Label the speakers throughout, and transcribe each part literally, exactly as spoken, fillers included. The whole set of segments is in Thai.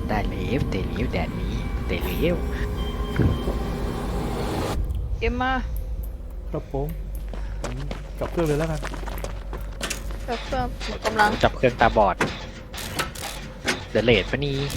Speaker 1: ได้เลยเตะเลี้ยวแดดนี้เตะเลี้ยว
Speaker 2: เกมมา
Speaker 3: ครับผมผมกลับเครื่องเลยแล้วกัน
Speaker 2: เพิ่มเพิ่มหมดกำลัง
Speaker 1: จับเครื่องตาบอดเดเลดปะนี่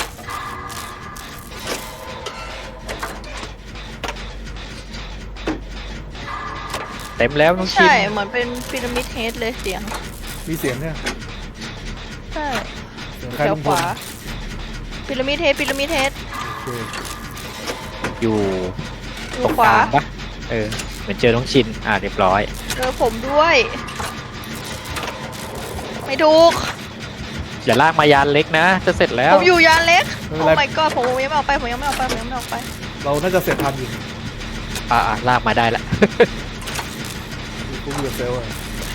Speaker 1: เต็มแล้วน้องชิน
Speaker 2: ใช่เหมือนเป็นพีระมิดเฮดเลยเสียง
Speaker 3: มีเสียงเนี่ย
Speaker 2: ใช่
Speaker 3: เสียง
Speaker 2: แถ
Speaker 3: ใคร
Speaker 2: ว
Speaker 3: ลุง
Speaker 2: ข
Speaker 3: พล
Speaker 2: วาพีระมิดเฮดพีระมิดเฮด
Speaker 3: โอเค
Speaker 1: อยู่
Speaker 2: ดู
Speaker 1: ตรง
Speaker 2: ขวาก
Speaker 1: ลางปะเออเหมือนเจอน้องชินอ่าเรียบร้อย
Speaker 2: เจอผมด้วย ไม่ถูก
Speaker 1: อย่าลากมายานเล็กนะจะเสร็จแล้ว
Speaker 2: ผมอยู่ยานเล็ก
Speaker 3: ไม่
Speaker 2: โอ้
Speaker 3: เป็นไร
Speaker 2: my god ผมยังไม่ออกไปผมยังไม่ออกไปผมยังไม่ออกไป
Speaker 3: เราน่าจะเสร็จทันอยู่
Speaker 1: อ่าอ่าลากมาได้ละ
Speaker 3: กูเบียร์เซลล์อะ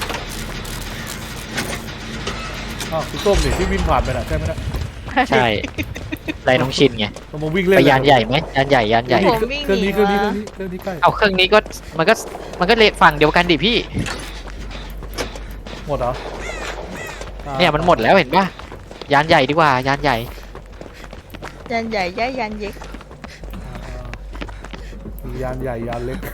Speaker 3: อ้าวคุณส้มนี่ที่วิ่งผ่านไปน่ะใช่ไหมนะ
Speaker 1: ใช่ไล่น้องชินไง
Speaker 3: เรามาวิ่งเล่น
Speaker 1: ไปยานใหญ่ไหมยานใหญ่ยานใหญ่
Speaker 2: ผมวิ่ง
Speaker 3: เครื่อง
Speaker 2: หนี
Speaker 3: นี้เครื่องนี้เครื่
Speaker 2: มา
Speaker 3: องนี้เครื่องนี้ใกล้
Speaker 1: เอาเครื่องนี้ก็มันก็มันก็เลฝั่งเดียวกันดิพี่
Speaker 3: หมดเหรออ่า
Speaker 1: เนี่ยมันหมดแล้วเห็นปะยานใหญ่ดีกว่ายานใหญ่
Speaker 2: ยานใหญ่ย่ายยานเย็ก
Speaker 3: อ่ามียานใหญ่ยานเล็ก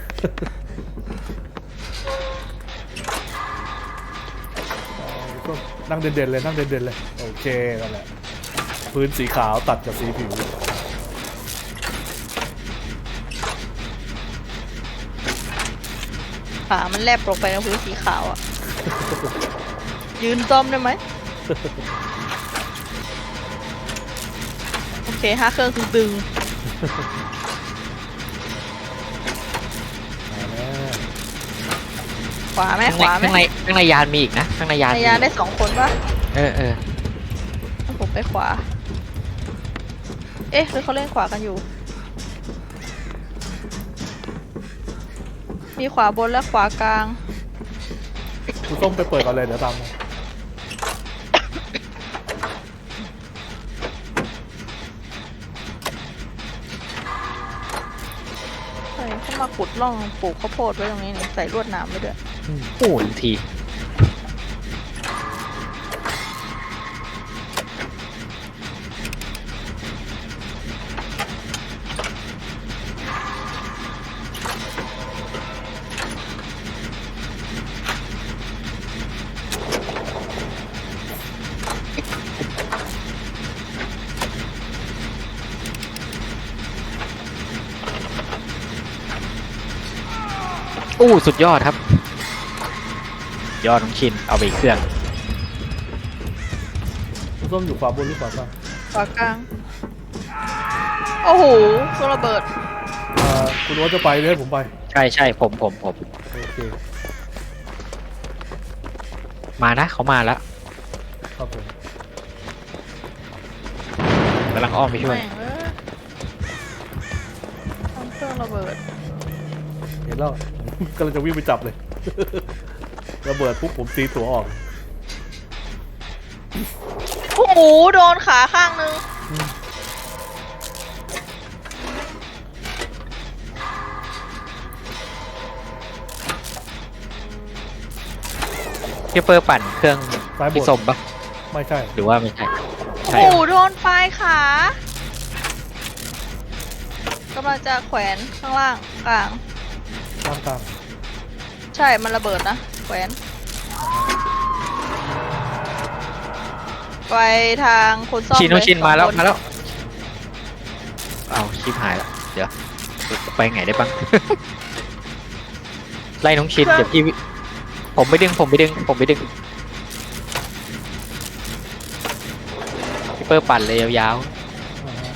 Speaker 3: อ่าก็นั่งเด่นๆเลยนั่งเด่นๆเลยโอเคนั่นแหละพื้นสีขาวตัดกับสีผิว
Speaker 2: ขามันแลบลงไปในพื้นสีขาวอ่ะ ยืนต้อมได้ไหม โอเคห้าเครื่องคือดึง
Speaker 3: มาแล้ว
Speaker 2: ขวาไหม
Speaker 1: ข้าง
Speaker 2: ข
Speaker 1: ใน
Speaker 2: วาไหม
Speaker 1: ข้างในข้างในยานมีอีกนะข้างในยาน
Speaker 2: ใน
Speaker 1: มี
Speaker 2: ยาน
Speaker 1: อีก
Speaker 2: ได้สองคนปะ
Speaker 1: เออเออ
Speaker 2: ถ้าผมไปขวา เอ๊ะหรือเขาเล่นขวากันอยู่ มีขวาบนและขวากลาง
Speaker 3: คุณส้มไปเปิดก่อนเลยเดี๋ยวตามมา
Speaker 2: ใช่เขามาขุดร่องปลูกข้าวโพดไว้ตรงนี้นี่ใส่ลวดหนามไว้ด้วย
Speaker 1: โอ้ยที อู้สุดยอดครับ ยอดน้องชินเอาไปอีกเครื่อง
Speaker 3: คุณส้มอยู่ขวาบนหรือขวาล่าง
Speaker 2: ขวากลาง โอ้โหเครื่องระเบิด
Speaker 3: อ่าคุณว่าจะไปเลยให้ผมไป
Speaker 1: ใช่ใช่ผมผมผม
Speaker 3: โอเค
Speaker 1: มานะเขามาแล้ว
Speaker 3: ครับผม
Speaker 1: กำลังอ้อมไปช่วย
Speaker 2: แม่งเอ้ยทำเครื่องระเบิด
Speaker 3: เห็นแล้ว กำลังจะวิ่งไปจับเลย ระเบิดปุ๊บผมตีตัวออก
Speaker 2: โอ้โหโดนขาข้างนึง
Speaker 1: พี่เปอร์ปั่นเครื่อง
Speaker 3: ซ้ายบ
Speaker 1: พี่
Speaker 3: น
Speaker 1: สมปะ
Speaker 3: ไม่ใช่
Speaker 1: หรือว่าไม่ใช่
Speaker 2: โอ้
Speaker 1: ใช่
Speaker 2: โหโดนปลายขากำลังจะแขวนข้างล่างกลาง
Speaker 3: ตามตาม
Speaker 2: ใช่ มันระเบิดนะ แขวน ไปทางคนซ่อม
Speaker 1: ชินน้อง
Speaker 2: เลย
Speaker 1: ชินมาแล้ว
Speaker 2: สองคน
Speaker 1: มาแล้วเอาชิปหายแล้วเดี๋ยวไปไงได้บ้าง ไล่น้องชินเดี๋ยวพี่วิผมไปดึงผมไปดึงผมไปดึงพี่เปอร์ปั่นเลยยาว
Speaker 3: อ่าฮะ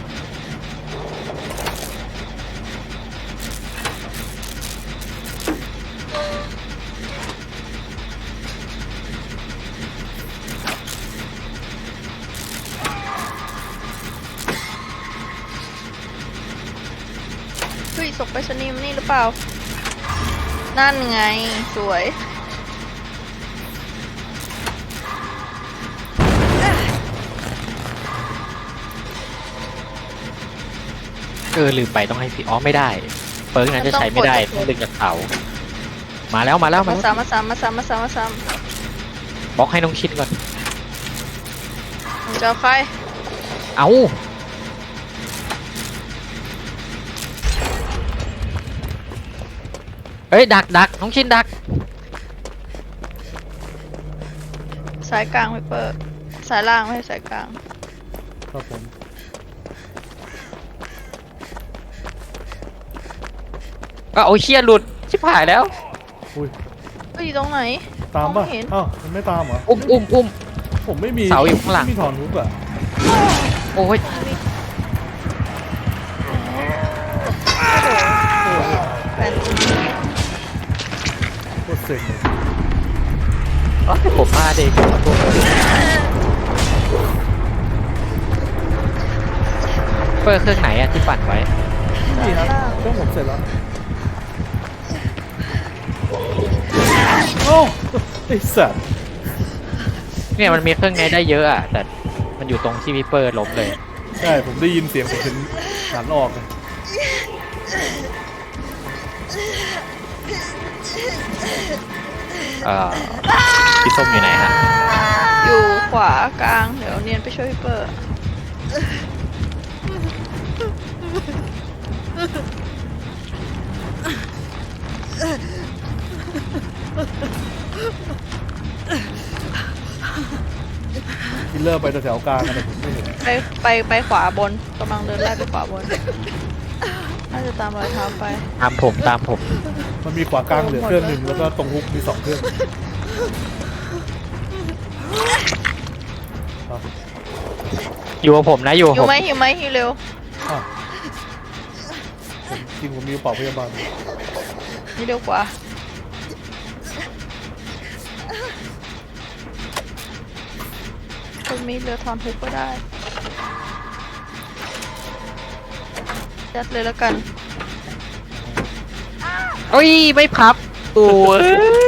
Speaker 2: เฮ้ยส่งไปสนีมนี่หรือเปล่า นั่นไง สวย
Speaker 1: ๆเออลืมไปต้องให้พี่อ๋อไม่ได้เปิร์กนั้นจะใช้ไม่ได้ต้องดึงจากเสามาแล้วมาแล้วมา
Speaker 2: มา
Speaker 1: แล้ว
Speaker 2: ซ้ำมาซ้ำมาซ้ำมาซ้ำมาซ้
Speaker 1: บล็อกให้น้องชินก่อน
Speaker 2: ำมึงจะเอาใคร
Speaker 1: เอาเฮ้ยดักดักน้องชินดัก
Speaker 2: สายกลางไวเปอร์สายล่างไม่ใช่สายกลาง
Speaker 3: ครับผม
Speaker 1: ก็เอาเชี่ยหลุดชิบหายแล้ว
Speaker 3: อุ้ย
Speaker 2: ก็อยู่ตรงไหน
Speaker 3: ตามป่ะ
Speaker 2: องไเห็น
Speaker 3: อ้าวมันไม่ตามเหรอ
Speaker 1: อุ้มอุ้มอุ้ม
Speaker 3: ผมไม่มี
Speaker 1: เสาอยู่ข้างหลัง
Speaker 3: ไม่มีถอนทุกอ่ะ
Speaker 1: โอ้ย
Speaker 2: แฟน
Speaker 3: โคตรเซ็งเลย
Speaker 1: อ๋อผมมาเด็กขอโทษเปิดเครื่องไหนอะที่ปั่นไว้
Speaker 3: นี่ครับเครื่องผมเสร็จแล้วโอ้ไอ้สัตว์
Speaker 1: เนี่ยมันมีเครื่องไงได้เยอะอะแต่มันอยู่ตรงที่วิปเปอร์ล้มเลย
Speaker 3: ใช่ผมได้ยินเสียงผมถึงหันออกเลย
Speaker 1: เอ่อพี่ส้มอยู่ไหนฮะ
Speaker 2: อยู่ขวากลางเดี๋ยวเนียนไปช่วยพี่เปอร์
Speaker 3: คิลเลอร์ไปแถวๆกลางกันแต่ผมไม่เห็น
Speaker 2: ไปไปไปขวาบนกำลังเดินไล่ไปขวาบนน่าจะตามรอยเท้าไป
Speaker 1: ตามผมตามผม
Speaker 3: มันมีขวากลางเหลือเครื่องหนึ่งแล้วก็ตรงฮุกมีสองเครื่องอ่ะ
Speaker 1: อยู่กับผมนะอยู่
Speaker 2: อ
Speaker 1: กับผ
Speaker 2: ยู่
Speaker 1: ม
Speaker 2: ไหมอยู่ไหมหิวเร็ว
Speaker 3: อ่ะผมจริงผมมีกระเป๋าพยาบาล
Speaker 2: นี่เร็วกว่าคนมีเรือทอนฮุกก็ได้ยัดเลยแล้วกัน
Speaker 1: เอ้ยไม่พับโอ้ย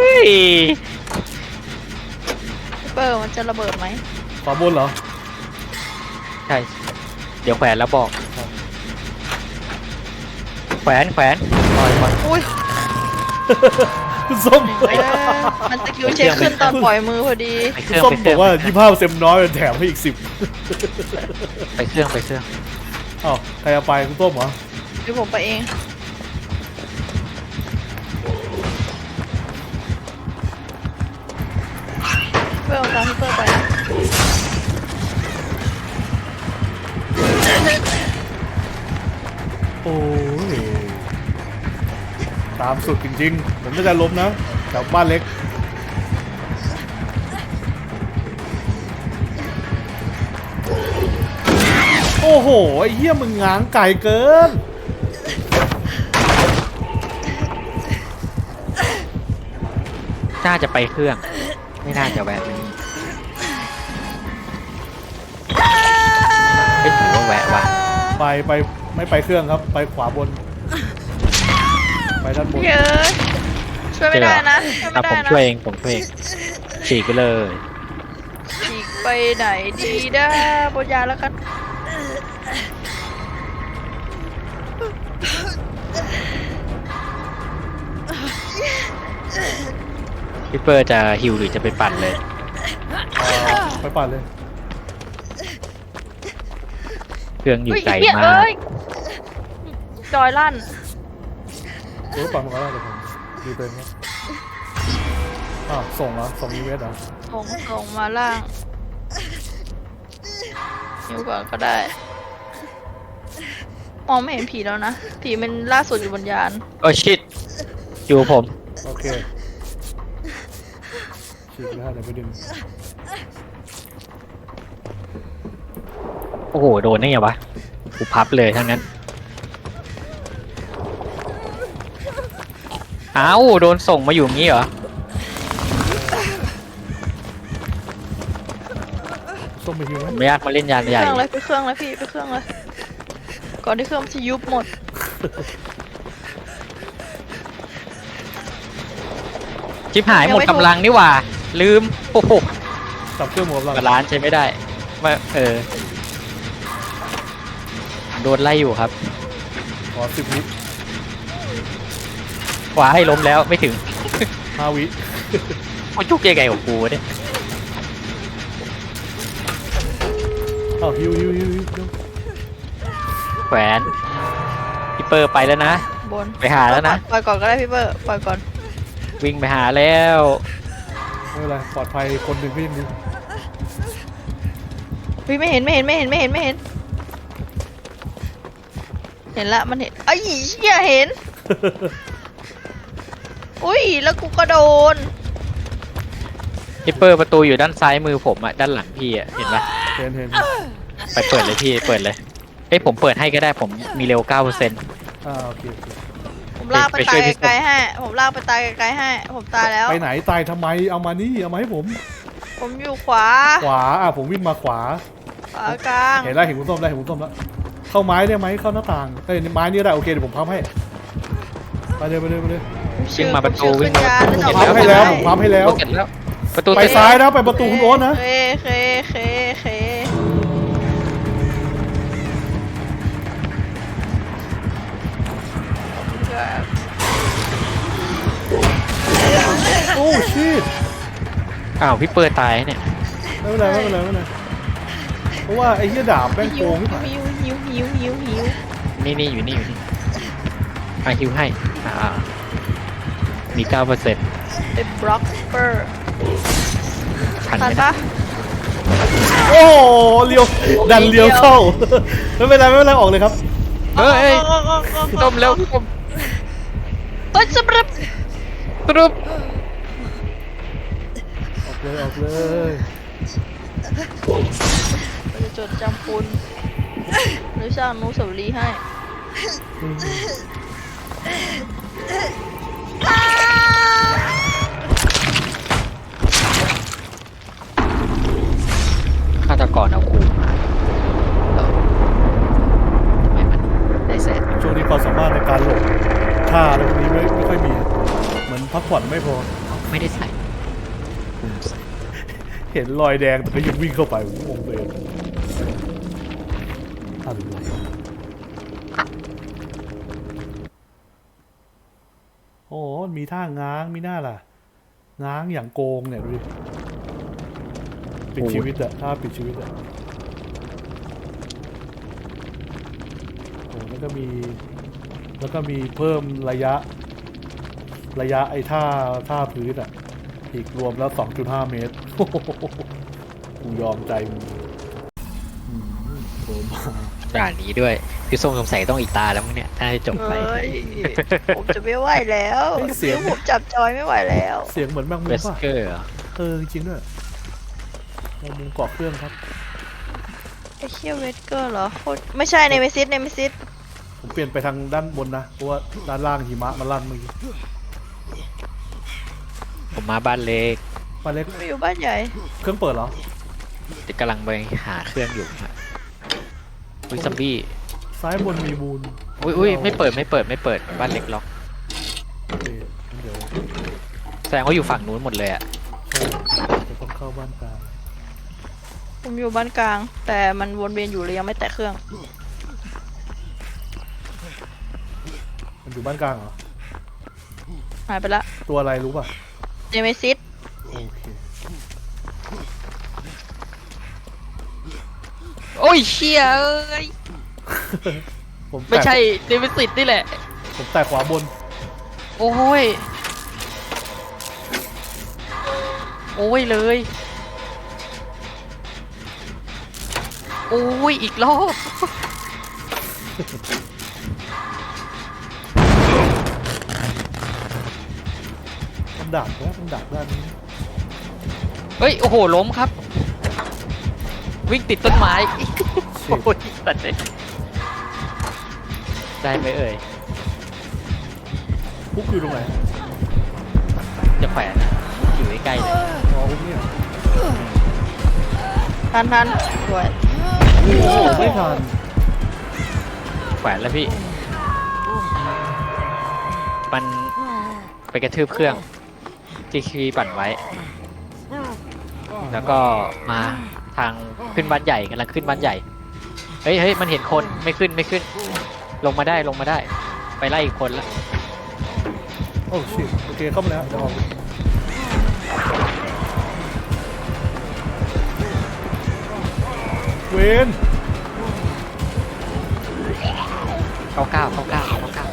Speaker 2: พี่เปอร์มันจะระเบิดไหม
Speaker 3: ขวาบนเหรอ
Speaker 1: ใช่เดี๋ยวแขวนแล้วบอกแขวนแขวนปล่อยก่อน
Speaker 2: อุ้ย
Speaker 3: คุณส้ม
Speaker 2: เอ้ยมันสกิลเช็คขึ้นตอนปล่อยมือพอดี
Speaker 1: ไปเค
Speaker 3: คุณ
Speaker 1: รื่อง
Speaker 3: ส้ม
Speaker 1: ไปเครื่อก ง
Speaker 3: บอว่ายี่สิบห้าเปอร์เซ็นต์น้อยแถมให้อีกสิบ
Speaker 1: ไปเครื่องไปเครื่อง
Speaker 3: อ้าวใครเอาไปคุณส้มเหรอ
Speaker 2: เดี๋ยวผมไปเองเปอร์เอาตามพี่เปอร์ไปนะ
Speaker 3: โอ้ยตามสุดจริงๆ ผมไม่ได้ล้มนะแถวบ้านเล็ก โอ้โห ไอ้เหี้ยมึงง้างไก่เกิน
Speaker 1: น่าจะไปเครื่อง ไม่น่าจะแวะนี่ไม่ถือว่าแวะว่ะ
Speaker 3: ไปไปไม่ไปเครื่องครับ ไปขวาบน ไปด้านบน
Speaker 2: เยอะช่วยไม่ได้นะช่วย
Speaker 1: อ่ะ
Speaker 2: ไม่ได้
Speaker 1: ผม
Speaker 2: นะ
Speaker 1: ช่วยเองผมช่วยเองฉีกไปเลย
Speaker 2: ฉีกไปไหนดีนะบนยาแล้วกัน
Speaker 1: พี่เปอร์จะฮิวหรือจะไปปั่นเลย
Speaker 3: อ่าไปปั่นเลย
Speaker 1: เครื่องอยู่
Speaker 2: เฮ้ย
Speaker 1: ไกล
Speaker 2: เหี้ย
Speaker 1: มา
Speaker 2: เอ้
Speaker 1: ก
Speaker 2: ยจอยลั่น
Speaker 3: เออปั่นมาก็ได้แต่ผมดูเป็นครับอ้าวส่งเหรอส่งอีเวสเหรอ
Speaker 2: ส่งส่งมาล่างนิ้วก่อนก็ได้ มองไม่เห็นผีแล้วนะ ผีมันล่าสุดอยู่บนยาน
Speaker 1: โอ้ชิตอยู่กับผม
Speaker 3: โอเคฉีกแล้วเดี๋ยวไปดึง
Speaker 1: โอ้โหโดนได้ไงวะกูพับเลยทั้งนั้นเอ้าโดนส่งมาอยู่อย่างนี้เหรอ
Speaker 3: ส้มไปฮิวไหม
Speaker 1: ผมไม่อยากมาเล่นยาน
Speaker 2: ไป
Speaker 1: ให
Speaker 2: เค
Speaker 1: ญ่
Speaker 2: รื่องเลยไปเครื่องเลยพี่ไปเครื่องเลย ก่อนที่เครื่องมันจะยุบหมด
Speaker 1: ชิบหาย
Speaker 2: ยัง
Speaker 1: หมด
Speaker 2: ไม่ถูก
Speaker 1: กำลังนี่หว่า ลืมโอ้โห
Speaker 3: จับเครื่องหมดแล้ว
Speaker 1: บาลานซ์ใช้ไม่ได้มาเออโดนไล่อยู่ครับ
Speaker 3: ขอสิบวิ
Speaker 1: ขวาให้ล้มแล้วไม่ถึง
Speaker 3: ห้าวิ
Speaker 1: โอ้ยจุกยังไงของกูวะเนี่ย
Speaker 3: เอาอ้าวฮิวฮิวฮิวฮิวฮิว
Speaker 1: แขวนพี่เปอร์ไปแล้วนะ
Speaker 2: บน
Speaker 1: ไปหาแล้วนะ
Speaker 2: ปล่อยก่อนก็ได้พี่เบอร์ปล่อยก่อน
Speaker 1: วิ่งไปหาแล้ว
Speaker 3: ไม่เป็นไรปลอดภัยคนหนึ่งก็ยังดี
Speaker 2: พี่ไม่เห็นไม่เห็นไม่เห็นไม่เห็นไม่เห็น เห็นละมันเห็นไอ้เหี้ยเห็น อุ้ยแล้วกูก็โดน
Speaker 1: พี่เปอร์ประตูอยู่ด้านซ้ายมือผมอะด้านหลังพี่อะเห็นปะ
Speaker 3: เห็นเห็น
Speaker 1: ไปเปิดเลยพี่เปิดเลยเอ้ยผมเปิดให้ก็ได้ผมมีเร็วเก้าเปอร์เซ็นต์
Speaker 3: อ่าโอเคโอเค
Speaker 2: ผมลากไป
Speaker 1: ไปช่
Speaker 2: ตา
Speaker 1: วย ยพี่ส้ม
Speaker 2: ไกลๆให้ผมลากไปตายไกลๆให้ผมตายแล้ว
Speaker 3: ไปไหนตายทำไมเอามานี่เอามาให้ผม
Speaker 2: ผมอยู่ขวา
Speaker 3: ขวาอ่ะผมวิ่งมาขวา
Speaker 2: ขวากลาง
Speaker 3: เห็นแล้วเห็นคุณส้มแล้วเห็นคุณส้มแล้วเข้าไม้ได้ไหมเข้าหน้าต่างเอ้ยไม้นี่ได้โอเคเดี๋ยวผมพับให้ไปเลยไปเลยไปเลย
Speaker 1: วิ่งมาประตู
Speaker 2: ชื่อ
Speaker 1: วิ่งมาประตู
Speaker 2: ชื่อ
Speaker 3: พับให้แล้วผมพับให้แล้ว
Speaker 1: เสร็จแล้วประตู
Speaker 3: ไป
Speaker 1: เสร็จ
Speaker 3: ซ้ายนะไปประตูคุณโอ๊ตนะ
Speaker 2: เคเคเคเคครับ
Speaker 3: โอ้ชิต
Speaker 1: อ้าวพี่เปอร์ตายเนี่ย
Speaker 3: ไม่เป็นไรไม่เป็นไรไม่เป็นไรเพราะว่าไอ้เหี้ยดาบแม่งโก
Speaker 2: หิว
Speaker 3: งที่ผ่าน
Speaker 2: หิวหิวหิวหิวหิว
Speaker 1: นี่นี่อยู่นี่อยู่นี่อ่ะฮิวให้อ่ามีเก้าเปอร์เซ็นต์
Speaker 2: เป็นบล็อกเปอร์
Speaker 1: ทัน
Speaker 2: ทัน
Speaker 1: ไหม
Speaker 2: ปะ
Speaker 3: โอ้เลี้ยวดันเลี้ยวเข้าไม่เป็นไรไม่เป็นไรออกเลยครับ
Speaker 1: เฮ้ยพี่ต้มเร็วพี่ต้ม
Speaker 2: เฮ้ยสำหรับ
Speaker 1: ตรุบ
Speaker 3: ออกเลยออกเลย
Speaker 2: เราจะจดจำคุณหรือสร้างอนุสาวรีย์ให้
Speaker 3: อืม
Speaker 1: ฆาตกรเอาคูมาแล้วทำไมมันได้แสน
Speaker 3: ช่วงนี้ความสามารถในการหลบท่าอะไรพวกนี้ไม่ไม่ค่อยมีเหมือนพักผ่อนไม่พอ
Speaker 1: ไม่ได้ใส่คุมใส่
Speaker 3: เห็นรอยแดงแต่ก็ยังวิ่งเข้าไปผมงงเลยอะไรโอ้มีท่าง้างมีหน้าล่ะ ง้างอย่างโกงเนี่ยดูดิปิดชีวิตอะท่าปิดชีวิตอะโอ้แล้วก็มี แล้วก็มีเพิ่มระยะ ระยะไอ้ท่าท่าพื้นอะอีกรวมแล้ว สองจุดห้า เมตร กูยอมใจมึงอืมโผล่มา
Speaker 1: ด่านนี้ด้วยพี่ส้มสงสัยต้องอีกตาแล้วมั้งเนี่ยถ้าให้จบไป
Speaker 2: เฮ้ยผมจะไม่ไหวแล้ว
Speaker 3: เฮ้ยเสียง
Speaker 2: ผมจับจอยไม่ไหวแล้ว
Speaker 3: เสียงเหมือนแมงมุ
Speaker 1: เว
Speaker 3: ม
Speaker 1: ส
Speaker 3: ป่ะ
Speaker 1: เกอร์เหรอ
Speaker 3: เออจริงๆด้วยแมงมุมเกาะเครื่องครับ
Speaker 2: ไอ้เชี่ยเวสเกอร์เหรอโคตรไม่ใช่ในเมซิสในเมซิส
Speaker 3: ผมเปลี่ยนไปทางด้านบนนะ เพราะว่าด้านล่างหิมะมันลั่นเมื่อกี้
Speaker 1: ผมมาบ้านเล็ก
Speaker 3: ป้าเล็ก
Speaker 2: ไม่อยู่บ้านใหญ่
Speaker 3: เครื่องเปิดเหรอ
Speaker 1: จะกำลังไปหาเครื่องอยู่ฮะอุ้ยซัมบี้
Speaker 3: ซ้ายบนมีมูล
Speaker 1: อุ้ยอุ้ยไม่เปิดไม่เปิดไม่เปิดบ้านเล็กล็อก
Speaker 3: โอเคงั้นเดี๋ยว
Speaker 1: แสดงว่าอยู่ฝั่งนู้นหมดเลยอะ
Speaker 3: จะต้องเข้าบ้านกลาง
Speaker 2: ผมอยู่บ้านกลาง แต่มันวนเวียนอยู่เลยยังไม่แตะเครื่อง
Speaker 3: มันอยู่บ้านกลางเหรอ
Speaker 2: หายไปละ
Speaker 3: ตัวอะไรรู้ป่ะ
Speaker 2: ในเมซิส
Speaker 3: โอเค
Speaker 1: โอ้ยเชี่ยเอ้ย
Speaker 3: ผม
Speaker 1: ไม่
Speaker 3: แตะ
Speaker 1: ใช่เดวิสิตนี่แหละ
Speaker 3: ผมแตะขวาบน
Speaker 1: โอ้ยโอ้ยเลยโอ้ยอีกรอบ
Speaker 3: มันดักนะมันดักด้านนี้
Speaker 1: เฮ้ย โอ้โห ล้มครับ วิ่งติดต้นไม้ โอ้ยสัตว์เลยได้ไหมเอ่ย
Speaker 3: พุกอยู่ตรงไหน
Speaker 1: จะแขวนอะอยู่ใกล้ๆเลย
Speaker 3: อ๋อพุกเนี่ย
Speaker 2: ทันทันสวย
Speaker 3: โอ้โหไม่ทัน
Speaker 1: แขวนแล้วพี่ มันไปกระทืบเครื่องที่คีปั่นไว้ แล้วก็มาทางขึ้นบ้านใหญ่กำลังขึ้นบ้านใหญ่ เฮ้ยเฮ้ยมันเห็นคนไม่ขึ้นไม่ขึ้น ลงมาได้ลงมาได้ ไปไล่อีกคนละ
Speaker 3: โอ้ชิโอเคเข้ามาแล้วเดี๋ยวออกเวน
Speaker 1: เก้าเก้าเก้าเก้าเก้าเก้า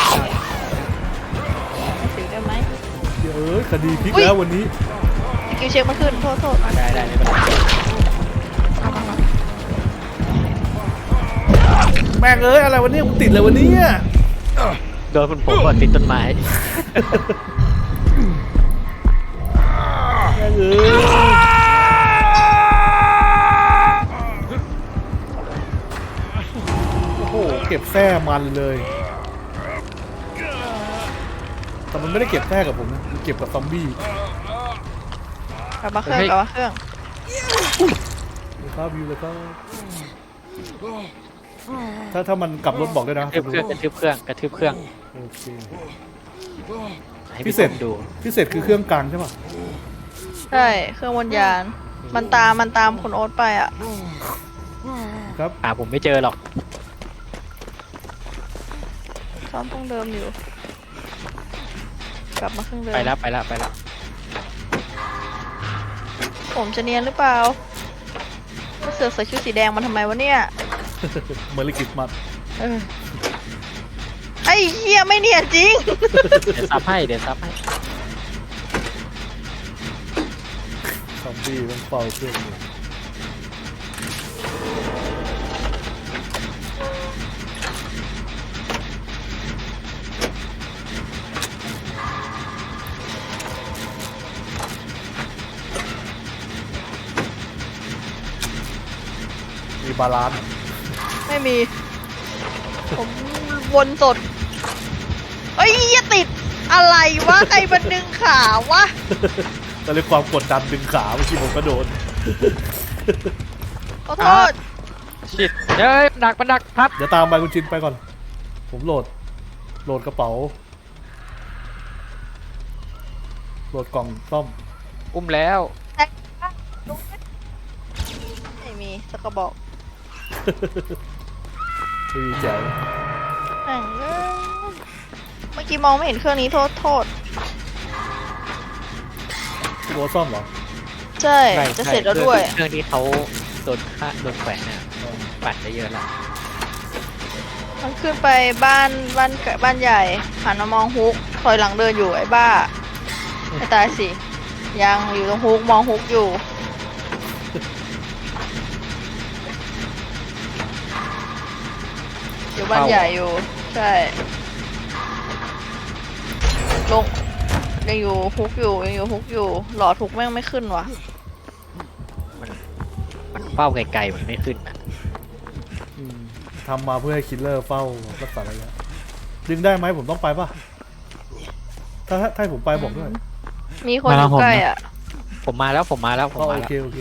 Speaker 2: ถือได้ไหม
Speaker 3: เดี๋ยวเอ้ยคดีพลิก
Speaker 2: อุ๊ย
Speaker 3: แล้ววันนี้
Speaker 2: สกิลเช็คมันขึ้นโทษโทษ
Speaker 1: มาได้ได้ไม่เป็นไร
Speaker 3: แม่งเอ้ยอะไรวันนี้มึงติดเลยวันนี้
Speaker 1: โดนคุณผมก่อนติดต้นไม้
Speaker 3: แม่งเอ้ยโอ้โหเก็บแท้มันเลยแต่มันไม่ได้เก็บแท้กับผมนะมันเก็บกับซอมบี้
Speaker 2: กลับมาเครื่องกลับมาเครื่อง
Speaker 3: เลยครับวิวเลยครับถ้าถ้ามันกลับรถบอกด้วย
Speaker 1: ก
Speaker 3: นะ
Speaker 1: ระทืบเครื่องกระทืบเครื่องกระทืบเครื่อง
Speaker 3: โอเค
Speaker 1: ให้
Speaker 3: พิ
Speaker 1: พี่
Speaker 3: เศ
Speaker 1: เศ
Speaker 3: ษ
Speaker 1: ษดู
Speaker 3: พิเศษคือเครื่องกลางใช่ป่ะ
Speaker 2: ใช่เครื่องวนยานมันตามมันตามคุณโอ๊ตไปอ่ะ
Speaker 3: ครับ
Speaker 1: หาผมไม่เจอหรอก
Speaker 2: ซ้อมต้องเดิมอยู่ กลับมาเครื่องเดิม
Speaker 1: ไปแล้วไปแล้วไปแล้ว
Speaker 2: ผมจะเนียนหรือเปล่าเสือกใส่ชุดสีแดงมาทำไมวะเนี่ย
Speaker 3: เมอร์ลิกิสมัส
Speaker 2: เออไอ้เหี้ยไม่เนียนจริง
Speaker 1: เดี๋ยวซับให้เดี๋ยวซับให้
Speaker 3: ซอมบี้ต้องเฝ้าเครื่องอยู่มีบาลานซ์
Speaker 2: ไม่มี ผมวนสดเอ้ยอย่าติดอะไรวะใครมันดึงขาวะ
Speaker 3: ก็เลยความกดดันดึงขาเมื่อกี้ผมก็โดน
Speaker 2: ขอโทษ
Speaker 1: ชิดเฮ้ยหนักมันหนักพับ
Speaker 3: เดี๋ยวตามไปคุณจินไปก่อน ผมโหลด โหลดกระเป๋า โหลดกล่องซ่อม
Speaker 1: อุ้มแล้ว
Speaker 2: ไม่มีสักกระบอก
Speaker 3: ไม่มีแจ๋ว
Speaker 2: แม่งเอ้ยเมื่อกี้มองไม่เห็นเครื่องนี้โทษโทษ
Speaker 3: ตัวซ่อมเหรอ
Speaker 2: ใช่ จะเสร็จแล้วด้วย
Speaker 1: เครื่องที่เขาโดนฆ่าโดนแขวนเนี่ยปัดได้เยอะแล้ว
Speaker 2: มันขึ้นไปบ้านบ้านบ้านใหญ่หันมามองฮุกถอยหลังเดินอยู่ไอ้บ้าไม่ตายสิ ยังอยู่ตรงฮุกมองฮุกอยู่ อยู่บ้านใหญ่อยู่ ใช่ ลงยังอยู่ฮุกอยู่ยังอยู่ฮุกอยู่ หลอดฮุกแม่งไม่ขึ้นว่ะ
Speaker 1: มันมันเป้าไกลๆมันไม่ขึ้นอ่ะ
Speaker 3: อืมทำมาเพื่อให้คิลเลอร์เฝ้ารักษาระยะดึงได้ไหมผมต้องไปป่ะ ถ้าถ้าถ้าให้ผมไปบอกด้วย
Speaker 2: มีคนอยู่ใกล้อ่ะ
Speaker 1: ผมมาแล้วผมมาแล้วผม
Speaker 3: อ๋อ
Speaker 1: มา
Speaker 3: โอ
Speaker 1: แล้ว
Speaker 3: เคโอเค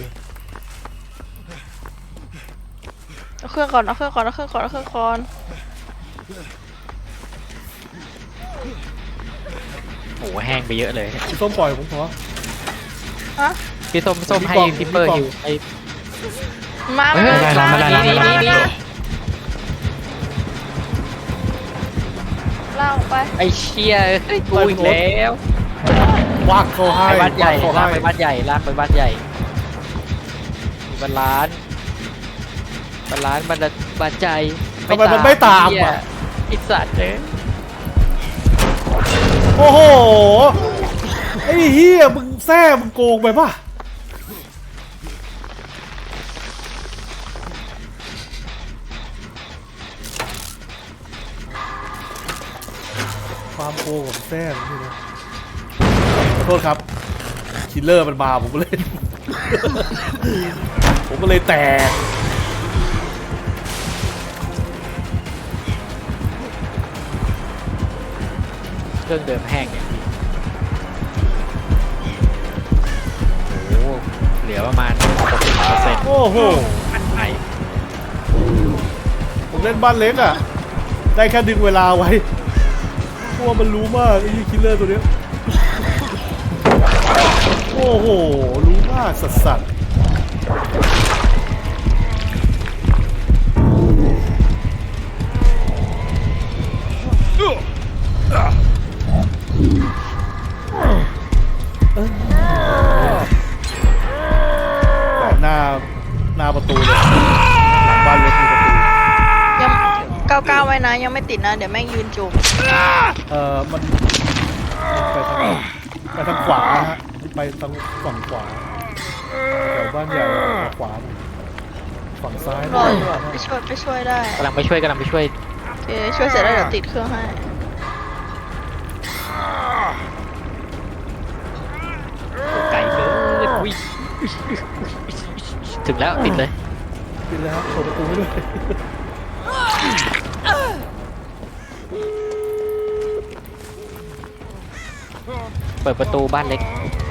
Speaker 2: เอาเครื่องก่อนเอาเครื่องก่อนเอาเครื่องก่อนเอาเครื่องก่อน
Speaker 1: โอ้โหแห้งไปเยอะเลย
Speaker 3: พี่ส้มปล่อยผมขอ
Speaker 2: ฮะ
Speaker 1: พี่ส้มส้มให้
Speaker 3: มีกล่อง
Speaker 1: พิปเปอร์
Speaker 3: มีกล่อง
Speaker 1: อยู่ไอ้
Speaker 2: มา
Speaker 1: เฮ้ย
Speaker 2: มา
Speaker 1: มาได้แล้วมาได้แล้วมาได้แล้ว
Speaker 2: ลากออกไป
Speaker 1: ไอ้เชี่ยเฮ้ยกูอีกแล้ว
Speaker 3: วากเขาให้
Speaker 1: ไปบ้านใหญ่
Speaker 3: วกเขา
Speaker 1: ลาก
Speaker 3: ให้
Speaker 1: ไปบ้านใหญ่ลากไปบ้านใหญ่มีบ้านล้านบ้านล้านบ้านละบ้านใจ
Speaker 3: ทำไมมันไม่ตาม
Speaker 1: เหี้ย
Speaker 3: อ่ะ
Speaker 1: ไอ้สัตว์เลย
Speaker 3: โอ้โห ไอ้เฮียมึงแซ่มึงโกงไปป่ะ ความโกงของแซ่นี่นะขอโทษครับ คิลเลอร์มันมาผมก็เลย ผมก็เลยแตก
Speaker 1: เครื่องเดิมแห้งอย่างนี้โอ้โหเหลือประมาณหกสิบเปอร์เซ็นต์
Speaker 3: โอ้โห
Speaker 1: มันไป
Speaker 3: ผมเล่นบ้านเล็กอ่ะ ได้แค่ดึงเวลาไว้เพราะว่ามันรู้มากไอ้คิลเลอร์ตัวเนี้ย โอ้โห รู้มากสัสสัสหน้าหน้าประตูเลย
Speaker 2: ว้นะยังไม่ติดนะ เดี๋ยวแม่งยืนจุ่ม
Speaker 3: เอ่อมันไปทางไปทางขวาฮะไปทางฝั่งขวาแถวบ้านใหญ่ขวาหน่อยฝั่งซ้าย
Speaker 2: รออยู่อะไปช่วยไปช่วยได้
Speaker 1: กำลังไปช่วยกำลังไปช่วย
Speaker 2: โอเคช่วยเสร็จแล้วเดี๋ยวติดเครื่องให้
Speaker 1: ไกลเกินอุ้ยถึงแล้วติดเลย
Speaker 3: ปิดเลยครับเปิดประตูให้ด้วย
Speaker 1: เปิดประตูบ้านเล็ก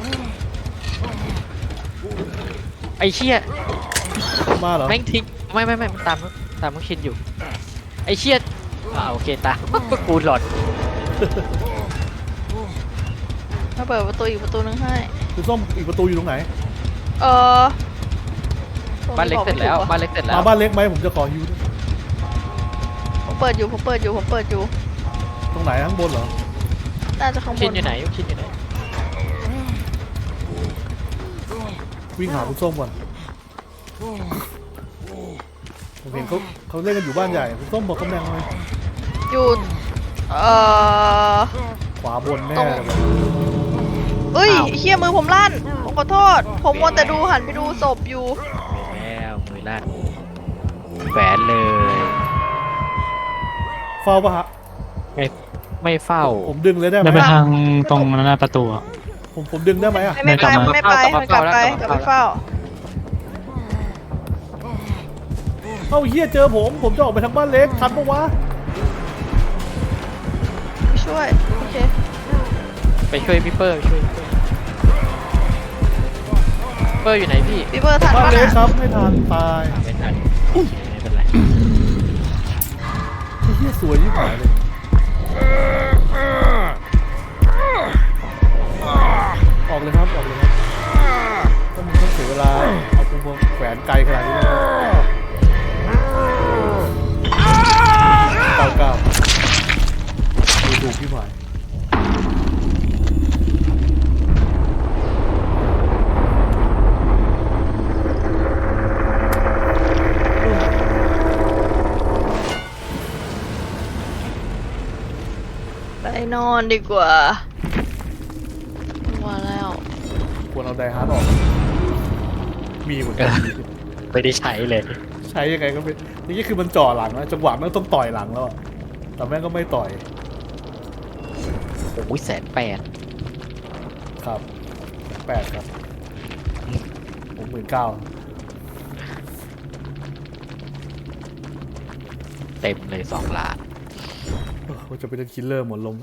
Speaker 1: ไอ้เชี่ย
Speaker 3: มาเหรอ
Speaker 1: แม่งทิ้งไม่ไม่ไม่มันตามตามมุกชินอยู่ไอ้เชี่ยอ่าโอเคตาม กูหลอด
Speaker 2: มาเปิดประตูอีกประตูนึงให้
Speaker 3: คุณส้มอีกประตูอยู่ตรงไหน
Speaker 2: เออ
Speaker 1: บ้านเล็กเสร็จแล้วบ้านเล็กเสร็จแล้ว
Speaker 3: มาบ้านเล็กไหมผมจะขอฮิวด้วย
Speaker 2: ผมเปิดอยู่ผมเปิดอยู่ผมเปิดอยู่
Speaker 3: ตรงไหนข้างบนเหรอ
Speaker 2: น่าจะข้างบ
Speaker 1: ชิน
Speaker 2: น
Speaker 1: อยู่ไหนมุกชินอยู่ไหน
Speaker 3: วิ่งหาคุณส้มก่อนผมเห็นเขาเขาเล่นกันอยู่บ้านใหญ่คุณส้มบอกตำแหน่งเลย
Speaker 2: อยู่เอ่อ
Speaker 3: ขวาบนแน่
Speaker 2: ตรง
Speaker 3: เลย
Speaker 2: เอ้ยเฮียมือผมลั่นผมขอโทษ ผมมัวแต่ดูหันไปดูศพอยู่
Speaker 1: แล้วมือลั่นแฝนเลย
Speaker 3: เฝ้าปะฮะ
Speaker 1: ไม่ไม่เฝ้า
Speaker 3: ผมดึงเลยได้ไหม
Speaker 4: ได้ไปทางตรงหน้าประตูอะ
Speaker 3: ผมผมดึงได้ไหมอะ
Speaker 2: ไม่ไม่ไป
Speaker 4: กลับมา
Speaker 2: ไม่ไปไม่กลับไปกลับไปเฝ้า
Speaker 3: เอ้าเฮียเจอผมผมจะออกไปทางบ้านเล็กทันปะวะ
Speaker 2: ไปช่วยโอเค
Speaker 1: ไปช่วยพี่เปอร์ช่วยพี่เปอร์เปอร์อยู่ไหนพี่
Speaker 2: พี่เบอร์ทัน
Speaker 3: บ้าน
Speaker 2: ปะ
Speaker 3: เล็ก
Speaker 2: นะครับ
Speaker 3: ไม่ทันตาย
Speaker 1: อ่าไม่ทันไม่เป็นไร
Speaker 3: ไอ้เฮียสวยยิ่งหายเลยออกเลยครับออกเลยครับถ้ามึงต้องเสียเวลาเอากูมาแขวนไกลขนาดนี้แล้วเก้าเก้าดูถูกพี่หมาย
Speaker 2: ไปนอนดีกว่าว่าแล้ว
Speaker 3: ควรเอาไดฮาร์ดออก มีเหมือนกัน
Speaker 1: ไม่ได้ใช้เลย
Speaker 3: ใช้ยังไงก็ไม่นี่คือมันจ่อหลังนะจังหวะแม่งต้องต่อยหลังแล้วอะแต่แม่งก็ไม่ต่อย
Speaker 1: โอ้ยแสนแปด
Speaker 3: ครับแปดครับผมหมื่นเก้า
Speaker 1: เต็มเลยสองล้าน
Speaker 3: ว่าจะไปเล่นคิลเลอร์หมดลม